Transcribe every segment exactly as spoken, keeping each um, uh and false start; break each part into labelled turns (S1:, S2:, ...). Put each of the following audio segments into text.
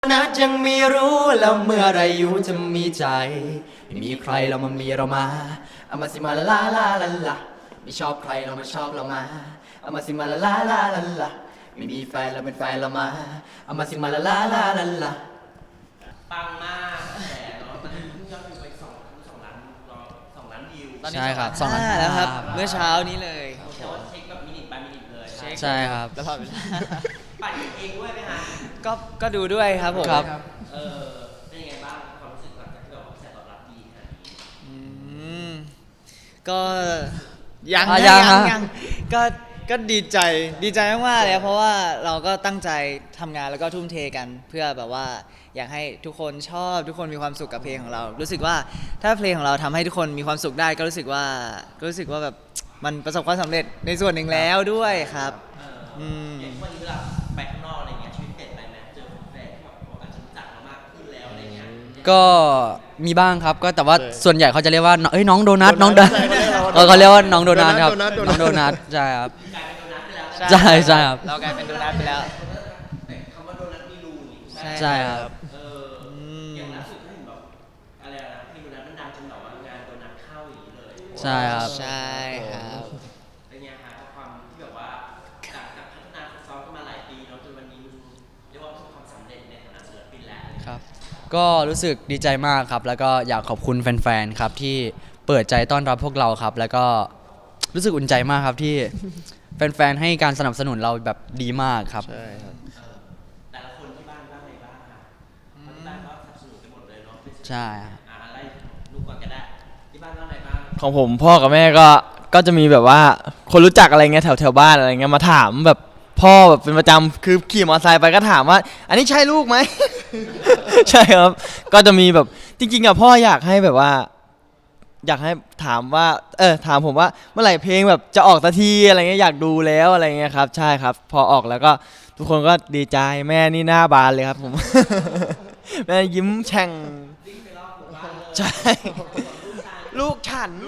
S1: นัดยังไม่รู้แล้วเมื่อไรอยู่จะมีใจไม่มีใครเรามามีเรามาเอามาสิมาลาลาลาลาไม่ชอบใครเรามาชอบเรามาเอามาสิมาลาลาลาลาลาไม่มีแฟนเราเป็นแฟนเรามาเอามาสิมาลาลาลาลาลา
S2: ปังมากแต่เนาะตอนนี้เพิ่งยอดวิวไปสองสองล้านสองล้านวิว
S1: ใช่ครับ
S3: สองล้านแล้วครับเมื่อเช้านี้เลย
S2: แต่ว่าเช็คแบบมินิบายมินิเลย
S1: ใช่ครับ
S3: ตลอดเวลา
S2: ปั่นเองด้วยไหมฮะ
S3: ก็ก็ดูด้วยครับผม
S1: ครับ
S2: เออเป็นยังไงบ้างความรู้สึกหลังจากที่แบบกระแสตอบรับดีขนาดนี้
S3: อืมก็ยัง
S1: อ่ะ
S3: ยั
S1: ยัง
S3: ยัง
S1: ฮะ
S3: ยังก็ก็ดีใจดีใจมากๆเลยครับเพราะว่าเราก็ตั้งใจทำงานแล้วก็ทุ่มเทกัน เพื่อแบบว่าอยากให้ทุกคนชอบทุกคนมีความสุขกับเพลงของเรา รู้สึกว่าถ้าเพลงของเราทำให้ทุกคนมีความสุขได้ ก็รู้สึกว่าก็รู้สึกว่าแบบมันประสบความสำเร็จในส่วนหนึ่งแล้วด้วยครับอืม
S2: อย่างวันนี้เวลาไปข้างนอกอะไรเงี้ยชีวิตเปลี่ยนไปไหมเจอแฟนที่แบบอาจจะรู้จักเรามากขึ้นแล้วอะไรเงี้ย
S1: ก็มีบ้างครับก็แต่ว่าส่วนใหญ่เขาจะเรียกว่าเอ้ยน้องโดนัทน้องโดนัทเขาเรียกว่าน้องโดนัทครับน้องโดนัทใช่ครับ
S2: กลายเป็นโดนัทไปแล้ว
S1: ใช่ใช่ครับ
S3: เรากลายเป็นโดนัทไปแล้ว
S2: แต่คำว่าโดนัทมีรูนี่
S1: ใช่ครับ
S2: เอออย่างล่าสุดถ้าเห็นแบบอะไรนะเพลงโดนัทมันดังจนแบบว่างานโดนัทเข้าอย่างนี้เลย
S1: ใช่ครับ
S3: ใช่ครับ
S2: เป็นไงฮะกับความที่แบบว่าจากจากพัฒนาฝึกซ้อมกันมาหลายปีแล้วจนวันนี้มันเรียกว่าประสบความสำเร็จในฐานะศิลปินแล้ว
S1: ครับก็รู้สึกดีใจมากครับแล้วก็อยากขอบคุณแฟนๆครับที่เปิดใจต้อนรับพวกเราครับแล้วก็รู้สึกอุ่นใจมากครับที่แฟนๆให้การสนับสนุนเราแบบดีมากครับ
S4: ใช่ครับ
S2: แต่ละคนที่บ้านบ้างไงบ้างคะที่บ้านก็สนับสนุนกันหมดเลยเนาะ
S1: ใช่
S2: อ่าอะไรลูกก่อนก็ได้ที่บ้านบ้างไงบ้าง
S4: ของผมพ่อกับแม่ก็ก็จะมีแบบว่าคนรู้จักอะไรเงี้ยแถวแถวบ้านอะไรเงี้ยมาถามแบบพ่อแบบเป็นประจำคือขี่มอเตอร์ไซค์ไปก็ถามว่า อันนี้ใช่ลูกไหม ใช่ครับก็จะมีแบบจริงๆอ่ะพ่ออยากให้แบบว่า อยากให้ถามว่าเออถามผมว่าเมื่อไหร่เพลงแบบจะออกสักทีอะไรเงี้ยอยากดูแล้วอะไรเงี้ยครับใช่ครับพอออกแล้วก็ทุกคนก็ดีใจแม่นี่หน้าบานเลยครับผม แม่ยิ้มแฉ่งใช่ลูกฉัน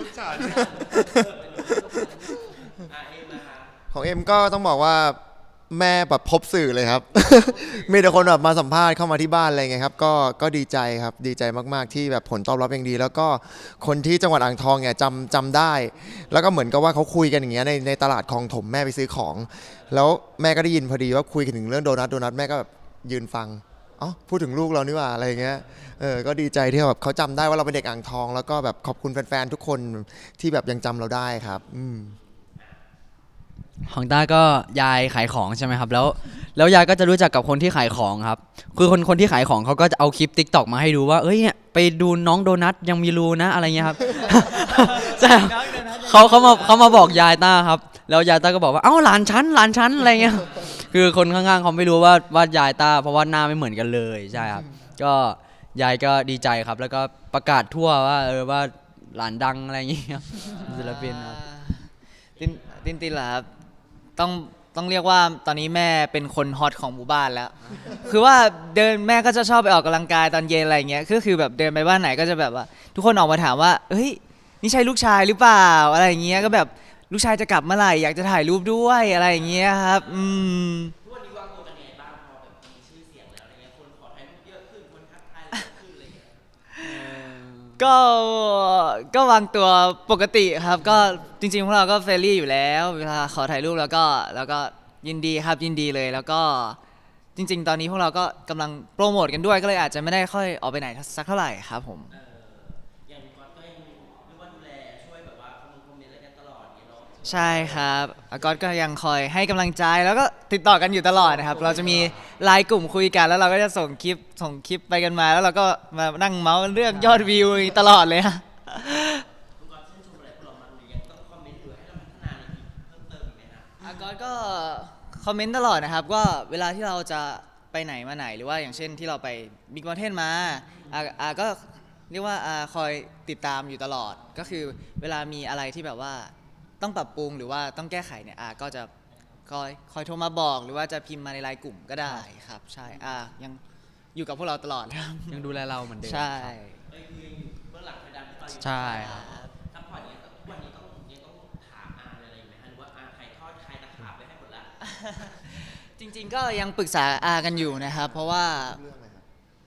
S5: ของเอ็มก็ต้องบอกว่าแม่แบบพบสื่อเลยครับ มีแต่คนแบบมาสัมภาษณ์เข้ามาที่บ้านอะไรเงี้ยครับก็ก็ดีใจครับดีใจมากๆที่แบบผลตอบรับยังดี แล้วก็คนที่จังหวัดอ่างทองเนี่ยจำจำได้ แล้วก็เหมือนกับว่าเขาคุยกันอย่างเงี้ยในในตลาดคลองถมแม่ไปซื้อของ แล้วแม่ก็ได้ยินพอดีว่าคุยกันถึงเรื่องโดนัทโดนัทแม่ก็แบบยืนฟังอ๋อพูดถึงลูกเรานี่หว่าอะไรเงี้ยเออก็ดีใจที่แบบเขาจำได้ว่าเราเป็นเด็กอ่างทอง แล้วก็แบบขอบคุณแฟนๆทุกคนที่แบบยังจำเราได้ครับอืม
S1: ของต้าก็ยายขายของใช่ไหมครับแล้วแล้วยายก็จะรู้จักกับคนที่ขายของครับคือคนคนที่ขายของเขาก็จะเอาคลิป ติ๊กต็อก มาให้ดูว่าเอ้ยเนี่ยไปดูน้องโดนัทยังมีรูนะอะไรเงี้ยครับ ใช่เขาเขามาเขามาบอกยายต้าครับแล้วยายต้าก็บอกว่าเอ้าหลานชั้นหลานชั้นอะไรเงี้ยคือคนข้างๆเขาไม่รู้ว่าว่ายายต้าเพราะว่าหน้าไม่เหมือนกันเลยใช่ครับก็ยายก็ดีใจครับแล้วก็ประกาศทั่วว่าเออว่าหลานดังอะไรอย่างเงี้ยศิลปินครับ
S3: ตินตินตินเหรอครับต้องต้องเรียกว่าตอนนี้แม่เป็นคนฮอตของหมู่บ้านแล้ว คือว่าเดินแม่ก็จะชอบไปออกกำลังกายตอนเย็นอะไรเงี้ยก็คือแบบเดินไปบ้านไหนก็จะแบบว่าทุกคนออกมาถามว่าเฮ้ยนี่ใช่ลูกชายหรือเปล่าอะไรอย่างเงี้ยก็แบบลูกชายจะกลับเมื่อไหร่อยากจะถ่ายรูปด้วยอะไรอย่างเงี้ยครับอืม
S2: ทุกวันนี้วางตัวกันยังไงบ้างพอแบบมีชื่อเสียงแล้วอะไรเงี้ยคนขอถ่ายรูปเยอะขึ้นคนทักทายเยอะขึ้นอะไรเงี้ย
S3: ก็ก็วางตัวปกติครับก็จริงๆพวกเราก็เฟรนลี่อยู่แล้วเวลาขอถ่ายรูปแล้วก็แล้วก็ยินดีครับยินดีเลยแล้วก็จริงๆตอนนี้พวกเราก็กำลังโปรโมทกันด้วยก็เลยอาจจะไม่ได้ค่อยออกไปไหนสักเท่าไหร่ครับผม
S2: เอออย่างก๊อตก็ยังเรียกว่าดูแลช่วยแบบว่าคอมเมนต์คอมเมนต์อะไรกันตลอดอย่างเงี้ยเนาะ
S3: ใช่ครับอากอตก็ยังคอยให้กำลังใจแล้วก็ติดต่อกันอยู่ตลอดนะครับเราจะมีไลน์กลุ่มคุยกันแล้วเราก็จะส่งคลิปส่งคลิปไปกันมาแล้วเราก็มานั่งเมาส์เรื่องยอดวิวตลอดเลยฮะ
S2: คุณก๊อตชื่นชมอะไรพวกเราบ้างหรือยังต้องคอมเมนต์หรือให้เราพัฒนาอะไรอีกเพิ่มเติมอีกไหมฮะ
S3: อากอตก็คอมเมนต์ตลอดนะครับก็เวลาที่เราจะไปไหนมาไหนหรือว่าอย่างเช่นที่เราไปบิ๊กมอลเทนมาอาอาก็เรียกว่าอาคอยติดตามอยู่ตลอดก็คือเวลามีอะไรที่แบบว่าต้องปรับปรุงหรือว่าต้องแก้ไขเนี่ยอาก็จะคอยคอยโทรมาบอกหรือว่าจะพิมพ์มาในไลน์กลุ่มก็ได้ครับใช่อายังอยู่กับพวกเราตลอดครับ
S1: ยังดูแลเราเหมือนเดิม
S3: ใช่
S2: เอ้ยคือยังอยู่เบื้องหลังไฟดำที่ตอนอยู่
S1: ใช่ครับ
S2: ซัพพอร์ตเนี้ยทุกวันนี้ต้องยังต้องถามอาอะไรไหมฮะหรือว่าอาใครทอดใครตะขาบไปให้หมดละ
S3: จริงๆก็ยังปรึกษาอากันอยู่นะครับเพราะว่า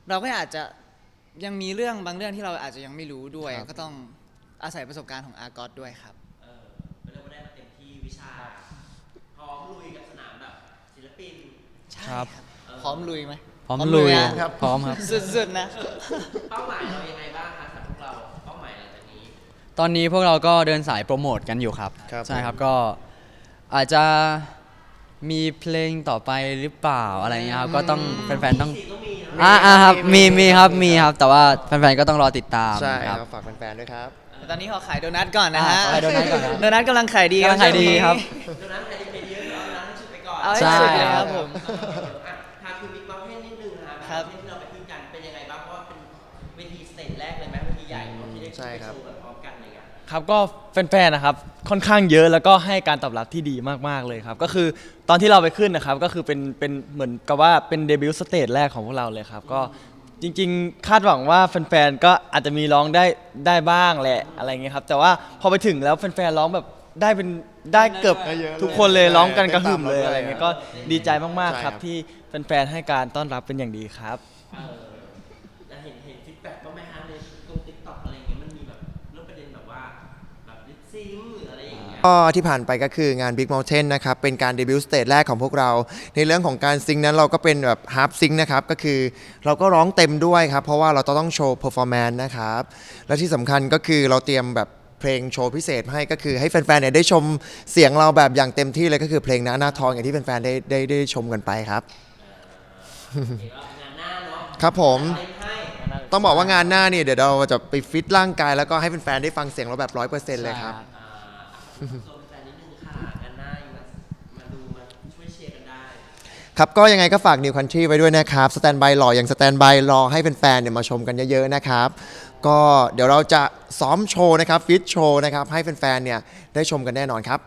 S3: เราก็อาจจะยังมีเรื่องบางเรื่องที่เราอาจจะยังไม่รู้ด้วย
S5: ครับ
S3: ก็ต้องอาศัยประสบการณ์ของอากอตด้วยครับ
S2: เออเรียกว่าได้มาเต็มที่วิชาพร้อมลุยกับสนามแบบศิลปิน
S1: ครับ
S3: พร้อมลุยไหม
S1: พร้อมลุย
S3: นะ
S5: ครับ
S1: พร้อมครับ
S3: สุดๆนะ
S2: เป้าหมายเรายังไงบ้างคะสำหรับพวกเราเป้าหมายหลังจากนี้
S1: ตอนนี้พวกเราก็เดินสายโปรโมทกันอยู่ครับ
S5: ครับ
S1: ใช่ครับก็อาจจะมีเพลงต่อไปหรือเปล่าอะไรเงี้ยครับก็ต้องแฟนๆต้อง
S2: สี่ต้องมีนะ
S1: อ่าอ่าครับมีมีครับมีครับ แต่ว่าแฟนๆก็ต้องรอติดตาม
S5: ใช่
S1: ค
S5: ค
S1: รั
S5: รับ บฝากแฟนๆด้วยครับ
S3: ตอนนี้ขอขายโดนัทก่อนนะฮะ
S1: อ่าขายโดนัทก่อนนะ
S3: โดนัทกำลังขายดี
S1: กำลังขายดีครับ
S2: เดี๋ยวนั้นใครดีไปเยอะเอาร้านให้ชุดไปก่อน
S3: เอาให้
S1: ใช่
S3: สุดเลยครับผม
S2: อ่ะทางคุณบิ๊กเมาเทนนิดนึงนะครับ
S3: ครับ
S2: ที่เราไปขึ้นกันเป็นยังไงบ้างเพราะว่าเป็นเวทีสเตจแรกเลยไหมเวทีใหญ่เนอะที่ได้ขึ้น
S5: ใช่
S2: ไป
S5: ครับ
S2: โชว์กันพร้อมกันเลยอ่ะ
S4: ครับก็แฟนๆนะครับค่อนข้างเยอะแล้วก็ให้การตอบรับที่ดีมากๆเลยครับก็คือตอนที่เราไปขึ้นนะครับก็คือเป็นเป็นเหมือนกับว่าเป็นเดบิวต์สเตจแรกของพวกเราเลยครับก็จริงๆ คาดหวังว่าแฟนๆก็อาจจะมีร้องได้ได้บ้างแหละอะไรเงี้ยครับแต่ว่าพอไปถึงแล้วแฟนๆร้องแบบได้เป็นได้เกือบ
S5: ได้เยอะเลย
S4: ทุกคนเลย
S5: ใช่
S4: ร้องกันกระหึ่มเลย
S5: เต้นตามเราด้วย
S4: อะไรเงี้ยก็ดีใจมากๆครับ
S5: ใช่ครับ
S4: ที่แฟนๆให้การต้อนรับเป็นอย่างดีครับ
S2: เออแล้วเห็นเห็นฟีดแบ็กบ้างไหมฮะในตรงติ๊กต็อกอะไรอย่างเงี้ยมันมีแบบเรื่องประเด็นแบบว่าแบบลิปซิงค์หรืออะไรอย่างเงี้ย
S5: ก็ที่ผ่านไปก็คืองาน Big Mountain นะครับ เป็นการเดบิวต์สเตจแรกของพวกเรา ในเรื่องของการซิงค์นั้นเราก็เป็นแบบฮาร์ปซิงค์นะครับ ก็คือเราก็ร้องเต็มด้วยครับ เพราะว่าเราต้องโชว์เพอร์ฟอร์แมนซ์นะครับ และที่สำคัญก็คือเราเตรียมแบบเพลงโชว์พิเศษให้ก็คือให้แฟนๆเนี่ยได้ชมเสียงเราแบบอย่างเต็มที่เลยก็คือเพลงหน้าหน้าทองอย่างที่แฟนๆได้ได้ได้ชมกันไปครับ
S2: งานหน้าเนาะ
S5: ครับผม
S2: เต็มให้
S5: ต้องบอกว่างานหน้าเนี่ยเดี๋ยวเราจะไปฟิตร่างกายแล้วก็ให้แฟนๆได้ฟังเสียงเราแบบร้อยเปอร์เซ็นต์เลยครับ
S2: อ่าส่วนแฟนนิดนึงค่ะงานหน้ามามาดูมาช่วยเชียร์กันได้
S5: ครับก็ยังไงก็ฝาก New Country ไว้ด้วยนะครับสแตนบายรออย่างสแตนบายรอให้แฟนๆเนี่ยมาชมกันเยอะๆนะครับก็เดี๋ยวเราจะซ้อมโชว์นะครับฟิตโชว์นะครับให้แฟนๆเนี่ยได้ชมกันแน่นอนครับ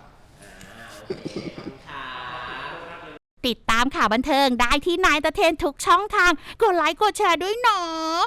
S6: ติดตามข่าวบันเทิงได้ที่นายตะเทนทุกช่องทาง กดไลค์กดแชร์ด้วยเนาะ